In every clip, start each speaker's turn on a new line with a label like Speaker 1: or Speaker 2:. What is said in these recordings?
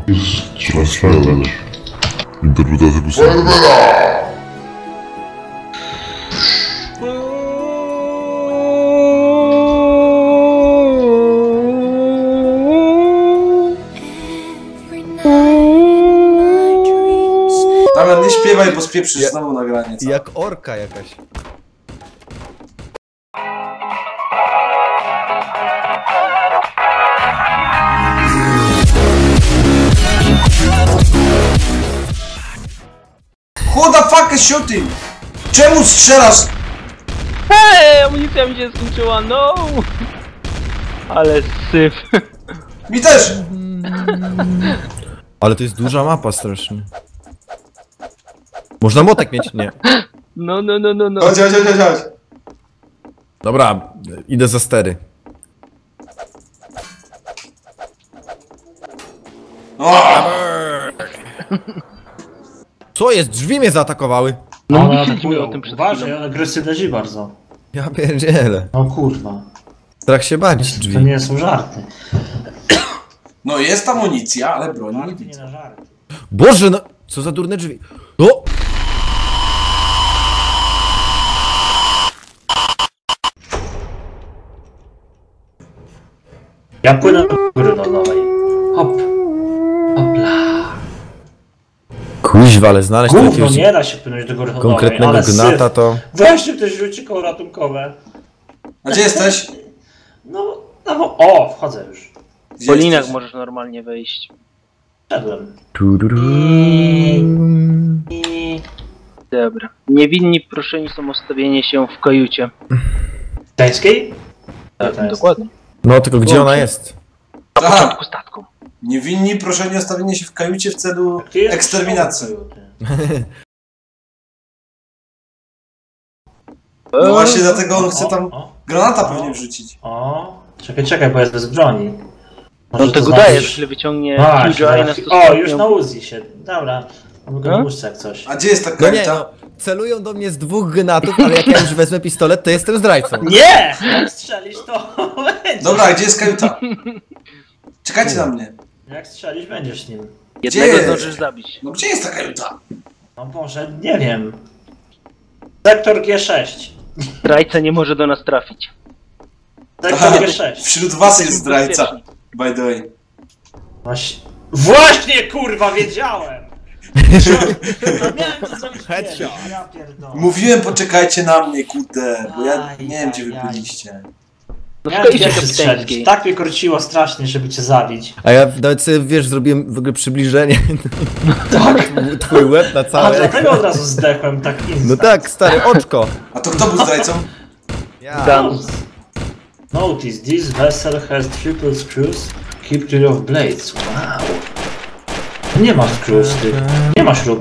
Speaker 1: Transferować. Interpretacja piosenki.
Speaker 2: Damian, nie śpiewaj, bo spieprzysz znowu nagranie. Co?
Speaker 3: Jak orka jakaś.
Speaker 2: Who the fuck is shooting? Czemu strzelasz?
Speaker 4: Hej, amunicja mi się skończyła, no! Ale syf.
Speaker 2: Mi też!
Speaker 3: Ale to jest duża mapa strasznie. Można młotek mieć? Nie.
Speaker 4: No.
Speaker 2: Chodź.
Speaker 3: Dobra, idę za stery.
Speaker 2: O!
Speaker 3: Co jest? Drzwi mnie zaatakowały.
Speaker 4: No
Speaker 5: Ale
Speaker 4: mówiliśmy o
Speaker 5: atakują.
Speaker 4: tym przed
Speaker 5: Uważaj,
Speaker 4: chwilą.
Speaker 5: ale agresywne bardzo.
Speaker 3: Ja pierdzielę.
Speaker 5: No kurwa.
Speaker 3: Strach się bać
Speaker 5: To
Speaker 3: drzwi.
Speaker 5: nie są żarty.
Speaker 2: No jest amunicja, ale broni nie
Speaker 5: Żarty nie
Speaker 2: widzę.
Speaker 5: na żarty.
Speaker 3: Boże, no! Co za durne drzwi. O!
Speaker 5: Ja płynę do góry nowej. Hop. Hopla.
Speaker 3: Kuźwa, ale znaleźć
Speaker 5: Gówno,
Speaker 3: jakiegoś
Speaker 5: nie da się płynąć do góry nowej,
Speaker 3: konkretnego
Speaker 5: ale
Speaker 3: gnata
Speaker 5: syf.
Speaker 3: to...
Speaker 5: Weźcie ktoś rzuci koło ratunkowe.
Speaker 2: A gdzie jesteś?
Speaker 5: No, o, wchodzę już.
Speaker 2: Gdzie
Speaker 4: Po linach
Speaker 2: jesteś?
Speaker 4: możesz normalnie wejść.
Speaker 5: Wszedłem.
Speaker 4: Dobra. Niewinni proszeni są o stawienie się w kajucie.
Speaker 5: Gdańskiej? Tak, to jest.
Speaker 4: Dokładnie.
Speaker 3: No, tylko gdzie ona jest?
Speaker 4: Na
Speaker 2: Tak.
Speaker 4: początku statku.
Speaker 2: Niewinni proszeni o stawienie się w kajucie w celu
Speaker 5: Ty jesteś
Speaker 2: eksterminacji.
Speaker 5: szkoły.
Speaker 2: No właśnie dlatego on chce tam
Speaker 5: O,
Speaker 2: granata pewnie wrzucić.
Speaker 5: o. Czekaj, bo jest bez broni.
Speaker 4: No
Speaker 5: Może
Speaker 4: to go
Speaker 5: znaczyć-
Speaker 4: daje, że źle wyciągnie
Speaker 5: Właśnie,
Speaker 4: CGI na
Speaker 5: zaraz-
Speaker 4: stosunku.
Speaker 5: O, już na Uzi się. Dobra. Mogę
Speaker 4: No?
Speaker 5: puszczać jak coś.
Speaker 2: A gdzie jest ta
Speaker 3: No nie,
Speaker 2: kajuta?
Speaker 3: no. Celują do mnie z 2 gnatów, ale jak ja już wezmę pistolet, to jestem zdrajcą.
Speaker 5: Nie! Jak strzelisz, to będzie.
Speaker 2: Dobra, a gdzie jest kajuta? Czekajcie na mnie.
Speaker 5: Jak strzelisz, będziesz nim.
Speaker 4: Jednego
Speaker 2: Gdzie?
Speaker 4: zdążysz zabić.
Speaker 2: No gdzie jest ta kajuta?
Speaker 5: No może, nie wiem. Sektor G6.
Speaker 4: Zdrajca nie może do nas trafić.
Speaker 5: Sektor G6.
Speaker 2: Wśród was jest
Speaker 4: Jesteśmy
Speaker 2: zdrajca.
Speaker 4: bezpieczni.
Speaker 2: By the way.
Speaker 5: Właśnie, kurwa, wiedziałem! No miałem to zrobić
Speaker 3: Headshot.
Speaker 5: kiedyś, ja pierdolę.
Speaker 2: Mówiłem, poczekajcie na mnie, kurde, bo ja
Speaker 5: Aj,
Speaker 2: nie wiem, gdzie
Speaker 5: aj,
Speaker 2: wy
Speaker 5: aj.
Speaker 2: byliście.
Speaker 4: No w
Speaker 5: Miałem
Speaker 4: kajucie
Speaker 5: pierwszy strzelić.
Speaker 4: kapitańskiej.
Speaker 5: Tak mnie korciło strasznie, żeby cię zabić.
Speaker 3: A ja nawet sobie, wiesz, zrobiłem w ogóle przybliżenie. Tak. Twój łeb na
Speaker 5: A
Speaker 3: całe.
Speaker 5: dlatego od razu zdechłem tak instant.
Speaker 3: No tak, stary, oczko.
Speaker 2: A to kto był zdrajcą?
Speaker 3: Ja.
Speaker 4: Dan.
Speaker 5: Notice, this vessel has triple screws. Keep clear of blades. Wow. Nie ma screws, ty. Nie ma śrub.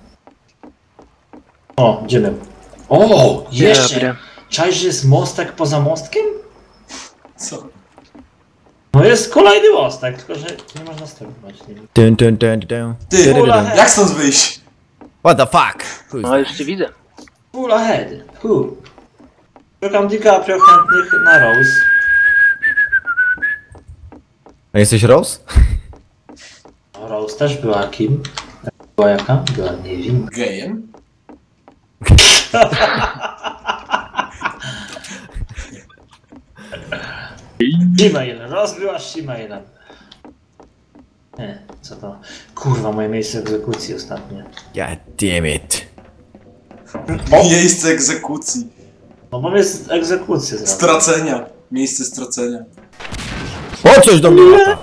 Speaker 5: O, idziemy. O, jeszcze!
Speaker 4: Dobra.
Speaker 5: Czaisz, że jest mostek poza mostkiem?
Speaker 2: Co?
Speaker 5: No jest kolejny mostek, tylko że nie można sterować nim.
Speaker 2: Ty,
Speaker 5: Ula,
Speaker 2: jak stąd wyjść?
Speaker 3: What the fuck? Kuźwa.
Speaker 4: No już cię widzę.
Speaker 5: Full ahead. Szukam DiCaprio chętnych na Rose.
Speaker 3: A jesteś Rose?
Speaker 5: No, Rose też była kim? Była jaka? Była niewinna.
Speaker 2: Gejem?
Speaker 5: Gmail. Rose była Gmailem. Nie, co to? Kurwa, moje miejsce egzekucji ostatnie.
Speaker 3: God damn it.
Speaker 2: Miejsce egzekucji.
Speaker 5: No bo jest egzekucja zaraz.
Speaker 2: Stracenia. Miejsce stracenia.
Speaker 3: O, coś do mnie lata.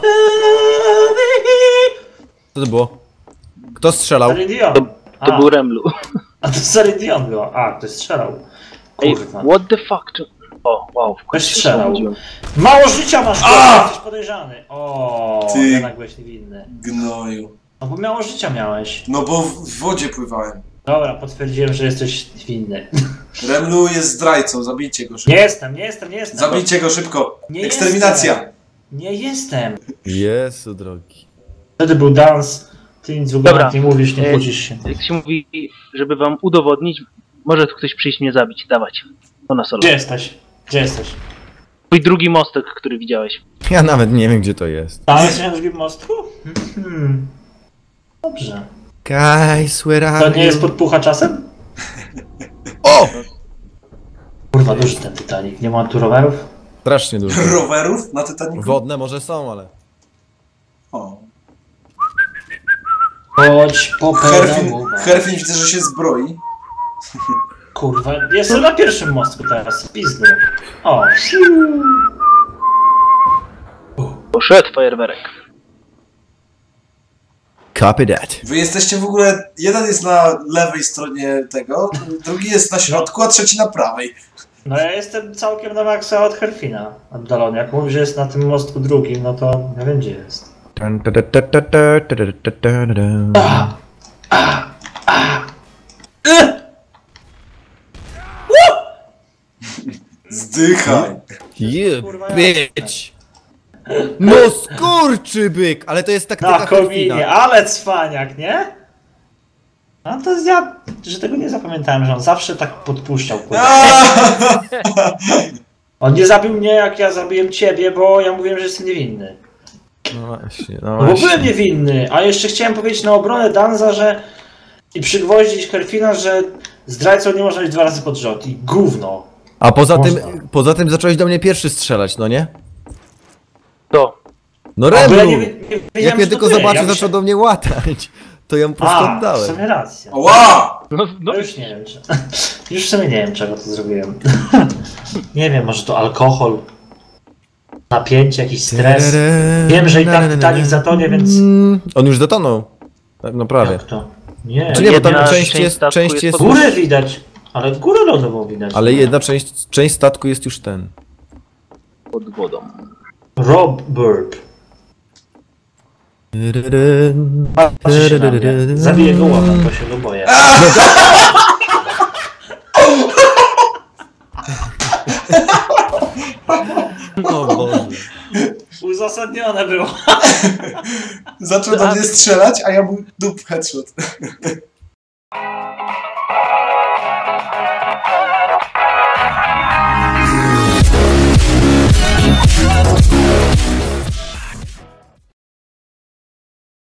Speaker 3: Co to było? Kto strzelał?
Speaker 5: Celine Dion.
Speaker 4: To był Remlu.
Speaker 5: A to Celine Dion była. A, ktoś strzelał.
Speaker 4: Ej,
Speaker 5: Kurwa.
Speaker 4: what the fuck? O, wow, w
Speaker 5: Ktoś
Speaker 4: końcu się
Speaker 5: strzelał.
Speaker 4: obudziłem.
Speaker 5: Mało życia masz,
Speaker 2: A!
Speaker 5: jesteś podejrzany. O,
Speaker 2: Ty.
Speaker 5: jednak byłeś niewinny.
Speaker 2: Gnoju.
Speaker 5: No bo mało życia miałeś.
Speaker 2: No bo w wodzie pływałem.
Speaker 5: Dobra, potwierdziłem, że jesteś winny.
Speaker 2: Remlu jest zdrajcą, zabijcie go szybko.
Speaker 5: Nie jestem.
Speaker 2: Zabijcie go szybko.
Speaker 5: Nie
Speaker 2: Eksterminacja.
Speaker 5: jestem. Nie jestem.
Speaker 3: Jezu drogi.
Speaker 5: Wtedy był dans. Ty nic w ogóle
Speaker 4: Dobra.
Speaker 5: nie mówisz, nie kłócisz się.
Speaker 4: Jak się mówi, żeby wam udowodnić, może tu ktoś przyjść mnie zabić. Dawać. To na solo.
Speaker 5: Gdzie jesteś? Gdzie jesteś?
Speaker 4: Twój drugi mostek, który widziałeś.
Speaker 3: Ja nawet nie wiem, gdzie to jest.
Speaker 5: Tam jesteś na drugim mostku? Dobrze.
Speaker 3: Guys, where
Speaker 5: To
Speaker 3: are
Speaker 5: nie
Speaker 3: you?
Speaker 5: jest podpucha czasem?
Speaker 3: O!
Speaker 5: Kurwa, duży ten Titanic. Nie ma tu rowerów?
Speaker 3: Strasznie dużo.
Speaker 2: Rowerów na Titanicu?
Speaker 3: Wodne może są, ale...
Speaker 2: O.
Speaker 5: Chodź po pedału.
Speaker 2: Herfin widzę, że się zbroi.
Speaker 5: Kurwa, jestem na pierwszym mostku teraz, pizdu. O,
Speaker 4: Poszedł fajerwerek.
Speaker 3: Copy that.
Speaker 2: Wy jesteście w ogóle... Jeden jest na lewej stronie tego, drugi jest na środku, a trzeci na prawej.
Speaker 5: no ja jestem całkiem na maksa od Herfina oddalony. Jak mówi, że jest na tym mostku drugim, no to nie wiem gdzie jest.
Speaker 2: Zdychaj.
Speaker 3: You
Speaker 5: Kurwa,
Speaker 3: bitch! No skurczybyk! Ale to jest taktyka
Speaker 5: Na kominie,
Speaker 3: Herfina.
Speaker 5: ale cwaniak, nie? No to ja, że tego nie zapamiętałem, że on zawsze tak podpuszczał, kurwa. On nie zabił mnie, jak ja zabiłem ciebie, bo ja mówiłem, że jestem niewinny.
Speaker 3: No właśnie, no
Speaker 5: No bo
Speaker 3: właśnie.
Speaker 5: byłem niewinny, a jeszcze chciałem powiedzieć na obronę Danza, że... I przygwoździć Herfina, że zdrajcą nie można być 2 razy pod rząd. I gówno.
Speaker 3: A
Speaker 5: Można.
Speaker 3: poza tym zacząłeś do mnie pierwszy strzelać, no nie?
Speaker 4: To.
Speaker 3: No
Speaker 5: A, bo ja
Speaker 3: Reblu!
Speaker 5: nie wiedziałem,
Speaker 3: Jak mnie
Speaker 5: że
Speaker 3: tylko
Speaker 5: to ty.
Speaker 3: zobaczył,
Speaker 5: Ja
Speaker 3: zaczął
Speaker 5: myślałem-
Speaker 3: do mnie łatać. To ja mu po prostu
Speaker 5: A, w
Speaker 3: oddałem.
Speaker 5: sumie racja.
Speaker 2: Ła!
Speaker 4: No,
Speaker 5: No już nie wiem, już w sumie nie wiem, czego to zrobiłem. Nie wiem, może to alkohol, napięcie, jakiś stres. Wiem, że i tak Titanic zatonie, więc...
Speaker 3: On już zatonął. No prawie.
Speaker 5: Jak to? Nie.
Speaker 3: Czy nie, bo tam
Speaker 4: Jedna
Speaker 3: część
Speaker 4: część
Speaker 3: jest...
Speaker 4: statku
Speaker 3: Część
Speaker 4: jest
Speaker 3: jest
Speaker 4: pod-
Speaker 5: Górę widać, ale górę lodową widać.
Speaker 3: ale jedna część statku jest już ten.
Speaker 4: pod wodą.
Speaker 5: Rob Burp. Patrzy się na mnie. Zabiję go łapem, bo się go boję.
Speaker 3: O Boże.
Speaker 5: Uzasadnione było.
Speaker 2: Zaczął do mnie strzelać, a ja mu dup headshot.